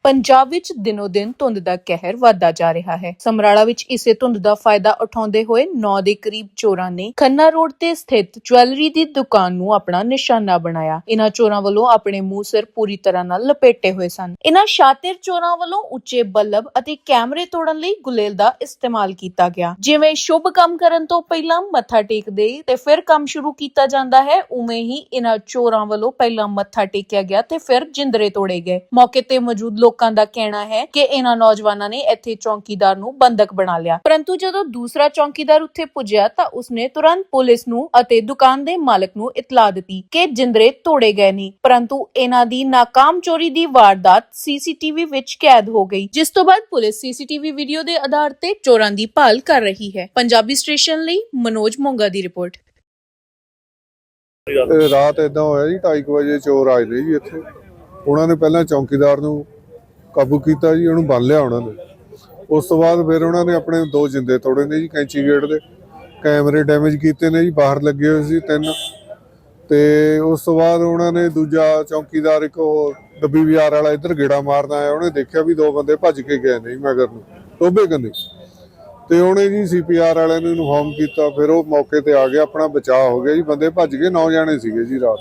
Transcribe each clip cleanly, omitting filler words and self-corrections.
ਪੰਜਾਬ ਵਿੱਚ ਦਿਨੋ-ਦਿਨ ਧੁੰਦ ਦਾ ਕਹਿਰ ਵਧਦਾ ਜਾ ਰਿਹਾ ਹੈ। ਸਮਰਾਲਾ ਵਿੱਚ ਇਸੇ ਧੁੰਦ ਦਾ ਫਾਇਦਾ ਉਠਾਉਂਦੇ ਹੋਏ 9 ਦੇ ਕਰੀਬ ਚੋਰਾਂ ਨੇ ਖੰਨਾ ਰੋਡ ਤੇ ਸਥਿਤ ਜੁਐਲਰੀ ਦੀ ਦੁਕਾਨ ਨੂੰ ਆਪਣਾ ਨਿਸ਼ਾਨਾ ਬਣਾਇਆ। ਇਨ੍ਹਾਂ ਚੋਰਾਂ ਵੱਲੋਂ ਆਪਣੇ ਮੂੰਹ ਸਿਰ ਪੂਰੀ ਤਰ੍ਹਾਂ ਨਾਲ ਲਪੇਟੇ ਹੋਏ ਸਨ। ਇਨ੍ਹਾਂ ਸ਼ਾਤਿਰ ਚੋਰਾਂ ਵੱਲੋਂ ਉੱਚੇ ਬੱਲਬ ਅਤੇ ਕੈਮਰੇ ਤੋੜਨ ਲਈ ਗੁਲੇਲ ਦਾ ਇਸਤੇਮਾਲ ਕੀਤਾ ਗਿਆ। ਜਿਵੇਂ ਸ਼ੁਭ ਕੰਮ ਕਰਨ ਤੋਂ ਪਹਿਲਾਂ ਮੱਥਾ ਟੇਕਦੇ ਤੇ ਫਿਰ ਕੰਮ ਸ਼ੁਰੂ ਕੀਤਾ ਜਾਂਦਾ ਹੈ, ਉਵੇਂ ਹੀ ਇਨ੍ਹਾਂ ਚੋਰਾਂ ਵੱਲੋਂ ਪਹਿਲਾਂ ਮੱਥਾ ਟੇਕਿਆ ਗਿਆ ਤੇ ਫਿਰ ਜਿੰਦਰੇ ਤੋੜੇ ਗਏ। ਮੌਕੇ ਤੇ ਮੌਜੂਦ ਲੋਕਾਂ ਦਾ ਕਹਿਣਾ ਹੈ ਕਿ ਇਹਨਾਂ ਨੌਜਵਾਨਾਂ ਨੇ ਇੱਥੇ ਚੌਕੀਦਾਰ ਨੂੰ ਬੰਦਕ ਬਣਾ ਲਿਆ, ਪਰੰਤੂ ਜਦੋਂ ਦੂਸਰਾ ਚੌਕੀਦਾਰ ਉੱਥੇ ਪੁੱਜਿਆ ਤਾਂ ਉਸਨੇ ਤੁਰੰਤ ਪੁਲਿਸ ਨੂੰ ਅਤੇ ਦੁਕਾਨ ਦੇ ਮਾਲਕ ਨੂੰ ਇਤਲਾਹ ਦਿੱਤੀ ਕਿ ਜਿੰਦਰੇ ਤੋੜੇ ਗਏ ਨੇ। ਪਰੰਤੂ ਇਹਨਾਂ ਦੀ ਨਾਕਾਮ ਚੋਰੀ ਦੀ ਵਾਰਦਾਤ ਸੀਸੀਟੀਵੀ ਵਿੱਚ ਕੈਦ ਹੋ ਗਈ, ਜਿਸ ਤੋਂ ਬਾਅਦ ਪੁਲਿਸ ਸੀਸੀਟੀਵੀ ਵੀਡੀਓ ਦੇ ਆਧਾਰ ਤੇ ਚੋਰਾਂ ਦੀ ਭਾਲ ਕਰ ਰਹੀ ਹੈ। ਪੰਜਾਬੀ ਸਟੇਸ਼ਨ ਲਈ ਮਨੋਜ ਮੋਂਗਾ ਦੀ ਰਿਪੋਰਟ। ਰਾਤ ਇਦਾਂ ਹੋਇਆ ਜੀ 2:30 ਵਜੇ ਚੋਰ ਆਏ ਨੇ ਜੀ ਇੱਥੇ। ਉਹਨਾਂ ਨੇ ਪਹਿਲਾਂ ਚੌਕੀਦਾਰ ਨੂੰ ਕਾਬੂ ਕੀਤਾ ਜੀ, ਉਹਨੂੰ ਬੰਨ ਲਿਆ ਉਹਨਾਂ ਨੇ। ਉਸ ਤੋਂ ਬਾਅਦ ਫਿਰ ਉਹਨਾਂ ਨੇ ਆਪਣੇ 2 ਜਿੰਦੇ ਤੋੜੇ ਨੇ ਜੀ, ਕੈਂਚੀ ਗੇਟ ਦੇ ਕੈਮਰੇ ਡੈਮੇਜ ਕੀਤੇ ਨੇ ਜੀ, ਬਾਹਰ ਲੱਗੇ ਹੋਏ ਸੀ 3। ਤੇ ਉਸ ਤੋਂ ਬਾਅਦ ਉਹਨਾਂ ਨੇ ਦੂਜਾ ਚੌਕੀਦਾਰ ਇੱਕ ਉਹ ਡੱਬੀ ਬਾਜ਼ਾਰ ਵਾਲਾ ਇੱਧਰ ਗੇੜਾ ਮਾਰਦਾ ਆਇਆ, ਉਹਨੇ ਦੇਖਿਆ ਵੀ 2 ਬੰਦੇ ਭੱਜ ਕੇ ਗਏ ਨੇ ਜੀ ਮਗਰ ਨੂੰ ਟੋਭੇ ਕੰਨੀ। ਤੇ ਉਹਨੇ ਜੀ CPR ਵਾਲਿਆਂ ਨੂੰ ਇਨਫੋਰਮ ਕੀਤਾ, ਫਿਰ ਉਹ ਮੌਕੇ ਤੇ ਆ ਗਿਆ, ਆਪਣਾ ਬਚਾਅ ਹੋ ਗਿਆ ਜੀ। ਬੰਦੇ ਭੱਜ ਗਏ, 9 ਜਾਣੇ ਸੀਗੇ ਜੀ ਰਾਤ।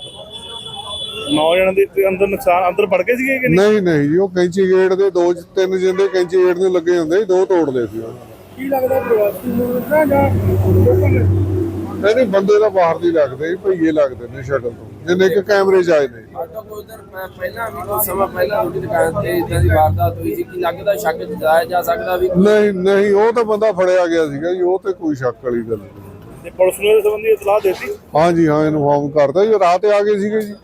9 ਜਣਾਂ ਦੇ ਅੰਦਰ ਨੁਕਸਾਨ ਅੰਦਰ ਵੜ ਗਏ ਸੀਗੇ ਕਿ ਨਹੀਂ ਜੀ, ਉਹ ਕੈਂਚੀ ਗੇਟ ਦੇ 2-3 ਜਿੰਦੇ ਕੈਂਚੀ ਗੇਟ ਨੂੰ ਲੱਗੇ ਹੁੰਦੇ, 2 ਤੋੜਦੇ ਸੀ ਉਹਨਾਂ ਨੇ। ਕੀ ਲੱਗਦਾ ਪ੍ਰਵਾਸੀ ਮੁਲਕਾਂ ਜਾਂ ਲੋਕਾਂ ਨੇ? ਨਹੀਂ ਬੰਦੇ ਤਾਂ ਬਾਹਰ ਦੀ ਲੱਗਦੇ, ਭਈਏ ਲੱਗਦੇ ਨੇ ਸ਼ਕਲ ਤੋਂ, ਜਿੰਨੇ ਕਿ ਕੈਮਰੇ ਚ ਆਏ ਨੇ। ਪਹਿਲਾਂ ਵੀ ਕੁਝ ਸਮਾਂ ਪਹਿਲਾਂ ਉਹਦੀ ਦੁਕਾਨ ਤੇ ਇਦਾਂ ਦੀ ਵਾਰਦਾਤ ਹੋਈ ਸੀ, ਕਿ ਲੱਗਦਾ ਸ਼ੱਕ ਜਤਾਇਆ ਜਾ ਸਕਦਾ ਵੀ? ਨਹੀਂ ਉਹ ਤਾਂ ਬੰਦਾ ਫੜਿਆ ਗਿਆ ਸੀਗਾ ਜੀ, ਉਹ ਤੇ ਕੋਈ ਸ਼ੱਕ ਵਾਲੀ ਗੱਲ ਨਹੀਂ। ਤੇ ਪੁਲਿਸ ਨੂੰ ਇਸ ਸੰਬੰਧੀ ਇਤਲਾਹ ਦਿੱਤੀ? ਹਾਂਜੀ ਹਾਂ, ਇਨਫੋਰਮ ਕਰਤਾ ਜੀ। ਰਾਤ ਆ ਗਏ ਸੀਗੇ ਜੀ,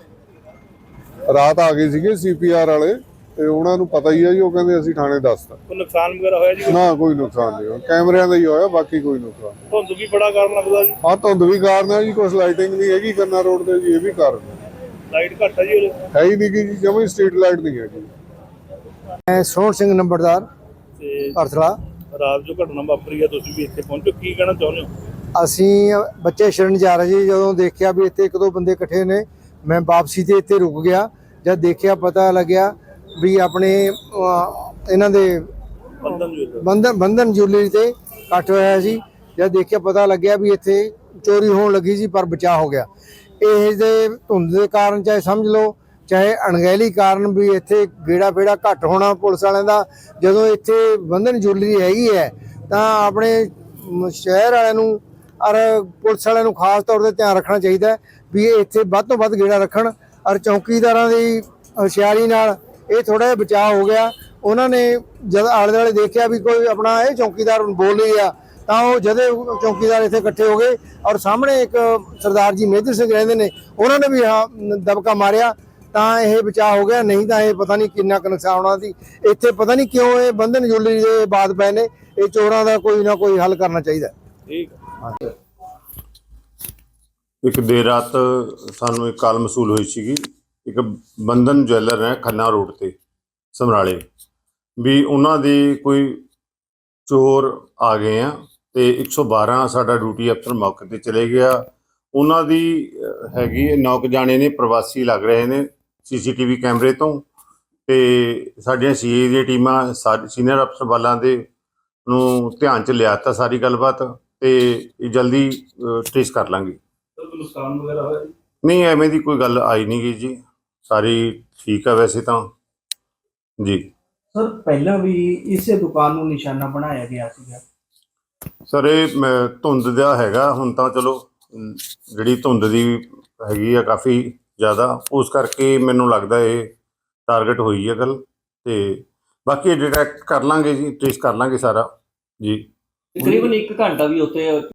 ਰਾਤ ਆ ਗਏ ਸੀਗੇ CPR ਵਾਲੇ, ਤੇ ਉਹਨਾਂ ਨੂੰ ਪਤਾ ਹੀ ਹੈ ਜੀ। ਉਹ ਕਹਿੰਦੇ ਅਸੀਂ ਥਾਣੇ ਦੱਸਤਾ। ਕੋਈ ਨੁਕਸਾਨ ਵਗੈਰਾ ਹੋਇਆ ਜੀ? ਨਾ ਕੋਈ ਨੁਕਸਾਨ ਨਹੀਂ ਹੋਇਆ, ਕੈਮਰਿਆਂ ਦਾ ਹੀ ਹੋਇਆ, ਬਾਕੀ ਕੋਈ ਨੁਕਸਾਨ। ਧੁੰਦ ਵੀ ਬੜਾ ਕਾਰਨ ਲੱਗਦਾ ਜੀ। ਹਾਂ, ਧੁੰਦ ਵੀ ਕਾਰਨ ਹੈ ਜੀ, ਕੁਛ ਲਾਈਟਿੰਗ ਨਹੀਂ ਹੈਗੀ ਖੰਨਾ ਰੋਡ ਤੇ ਜੀ, ਇਹ ਵੀ ਕਾਰਨ ਹੈ। ਲਾਈਟ ਘੱਟ ਹੈ ਜੀ, ਹੈ ਹੀ ਨਹੀਂ ਕਿ ਜੀ, ਜਮਾਂ ਸਟਰੀਟ ਲਾਈਟ ਨਹੀਂ ਹੈਗੀ। ਮੈਂ ਸੋਹਣ ਸਿੰਘ ਨੰਬਰਦਾਰ ਤੇ ਅਰਥਲਾ। ਰਾਤ ਜੋ ਘਟਨਾ ਵਾਪਰੀ ਹੈ, ਤੁਸੀਂ ਵੀ ਇੱਥੇ ਪਹੁੰਚੋ, ਕੀ ਕਹਿਣਾ ਚਾਹੁੰਦੇ ਹੋ? ਅਸੀਂ ਬੱਚੇ ਛੱਡਣ ਜਾ ਰਹੇ ਜੀ, ਜਦੋਂ ਦੇਖਿਆ ਵੀ ਇੱਥੇ 1-2 ਬੰਦੇ ਇਕੱਠੇ ਨੇ, ਮੈਂ ਵਾਪਸੀ ਤੇ ਇੱਥੇ ਰੁਕ ਗਿਆ। ਜਦ ਦੇਖਿਆ ਪਤਾ ਲੱਗਿਆ ਵੀ ਆਪਣੇ ਇਹਨਾਂ ਦੇ ਬੰਧਨ ਜੁਐਲਰੀ ਤੇ ਕੱਟ ਹੋਇਆ ਸੀ। ਜਦ ਦੇਖਿਆ ਪਤਾ ਲੱਗਿਆ ਵੀ ਇੱਥੇ ਚੋਰੀ ਹੋਣ ਲੱਗੀ ਸੀ, ਪਰ ਬਚਾਅ ਹੋ ਗਿਆ। ਇਹ ਦੇ ਧੁੰਦ ਦੇ ਕਾਰਨ, ਚਾਹੇ ਸਮਝ ਲਓ ਚਾਹੇ ਅਣਗਹਿਲੀ ਕਾਰਨ, ਵੀ ਇੱਥੇ ਗੇੜਾ ਫੇੜਾ ਘੱਟ ਹੋਣਾ ਪੁਲਿਸ ਵਾਲਿਆਂ ਦਾ। ਜਦੋਂ ਇੱਥੇ ਬੰਧਨ ਜੁਐਲਰੀ ਹੈਗੀ ਹੈ ਤਾਂ ਆਪਣੇ ਸ਼ਹਿਰ ਵਾਲਿਆਂ ਨੂੰ ਔਰ ਪੁਲਿਸ ਵਾਲਿਆਂ ਨੂੰ ਖਾਸ ਤੌਰ 'ਤੇ ਧਿਆਨ ਰੱਖਣਾ ਚਾਹੀਦਾ ਵੀ ਇਹ ਇੱਥੇ ਵੱਧ ਤੋਂ ਵੱਧ ਗੇੜਾ ਰੱਖਣ। ਔਰ ਚੌਕੀਦਾਰਾਂ ਦੀ ਹੁਸ਼ਿਆਰੀ ਨਾਲ ਇਹ ਥੋੜ੍ਹਾ ਜਿਹਾ ਬਚਾਅ ਹੋ ਗਿਆ। ਉਹਨਾਂ ਨੇ ਜਦ ਆਲੇ ਦੁਆਲੇ ਦੇਖਿਆ ਵੀ ਕੋਈ ਆਪਣਾ ਇਹ ਚੌਕੀਦਾਰ ਬੋਲ ਨਹੀਂ ਰਿਹਾ, ਤਾਂ ਉਹ ਜਦੇ ਚੌਕੀਦਾਰ ਇੱਥੇ ਇਕੱਠੇ ਹੋ ਗਏ। ਔਰ ਸਾਹਮਣੇ ਇੱਕ ਸਰਦਾਰ ਜੀ ਮੇਜਰ ਸਿੰਘ ਰਹਿੰਦੇ ਨੇ, ਉਹਨਾਂ ਨੇ ਵੀ ਦਬਕਾ ਮਾਰਿਆ, ਤਾਂ ਇਹ ਬਚਾਅ ਹੋ ਗਿਆ। ਨਹੀਂ ਤਾਂ ਇਹ ਪਤਾ ਨਹੀਂ ਕਿੰਨਾ ਕੁ ਨੁਕਸਾਨ ਹੋਣਾ ਸੀ। ਇੱਥੇ ਪਤਾ ਨਹੀਂ ਕਿਉਂ ਇਹ ਬੰਧਨ ਜੁਐਲਰੀ ਦੇ ਬਾਦ ਪਏ ਨੇ। ਇਹ ਚੋਰਾਂ ਦਾ ਕੋਈ ਨਾ ਕੋਈ ਹੱਲ ਕਰਨਾ ਚਾਹੀਦਾ। ਠੀਕ ਹੈ। ਇੱਕ ਦੇਰ ਰਾਤ ਸਾਨੂੰ ਇੱਕ ਕਾਲ ਮਸੂਲ ਹੋਈ ਸੀਗੀ, ਇੱਕ ਬੰਧਨ ਜਵੈਲਰ ਹੈ ਖੰਨਾ ਰੋਡ ਤੇ ਸਮਰਾਲੇ, ਵੀ ਉਹਨਾਂ ਦੇ ਕੋਈ ਚੋਰ ਆ ਗਏ ਆ ਤੇ 112 ਸਾਡਾ ਡਿਊਟੀ ਅਫਸਰ ਮੌਕੇ ਤੇ ਚਲੇ ਗਿਆ। ਉਹਨਾਂ ਦੀ ਹੈਗੀ 9 ਜਾਣੇ ਨੇ, ਪ੍ਰਵਾਸੀ ਲੱਗ ਰਹੇ ਨੇ CCTV ਕੈਮਰੇ ਤੋਂ। ਤੇ ਸਾਡੀਆਂ CA ਦੀਆਂ ਟੀਮਾਂ ਸੀਨੀਅਰ ਅਫਸਰ ਵਾਲਾਂ ਦੇ ਨੂੰ ਧਿਆਨ 'ਚ ਲਿਆ ਤਾ ਸਾਰੀ ਗੱਲਬਾਤ, ਤੇ ਜਲਦੀ ਟ੍ਰੇਸ ਕਰ ਲਾਂਗੇ। ਨੁਕਸਾਨ ਵਗੈਰਾ ਹੋਇਆ? ਨਹੀਂ, ਐਵੇਂ ਦੀ ਕੋਈ ਗੱਲ ਆਈ ਨਹੀਂ ਗਈ ਜੀ, ਸਾਰੀ ਠੀਕ ਆ ਵੈਸੇ ਤਾਂ ਜੀ। ਸਰ ਪਹਿਲਾਂ ਵੀ ਇਸੇ ਦੁਕਾਨ ਨੂੰ ਨਿਸ਼ਾਨਾ ਬਣਾਇਆ ਗਿਆ ਸੀਗਾ? ਸਰ ਇਹ ਧੁੰਦ ਦਾ ਹੈਗਾ, ਹੁਣ ਤਾਂ ਚਲੋ ਜਿਹੜੀ ਧੁੰਦ ਦੀ ਹੈਗੀ ਆ ਕਾਫੀ ਜ਼ਿਆਦਾ, ਉਸ ਕਰਕੇ ਮੈਨੂੰ ਲੱਗਦਾ ਇਹ ਟਾਰਗੇਟ ਹੋਈ ਹੈ ਗੱਲ। ਤੇ ਬਾਕੀ ਡਿਟੈਕਟ ਕਰ ਲਾਂਗੇ ਜੀ, ਟ੍ਰੇਸ ਕਰ ਲਾਂਗੇ ਸਾਰਾ ਜੀ। ਤਕਰੀਬਨ 1 ਘੰਟਾ ਵੀ ਉੱਥੇ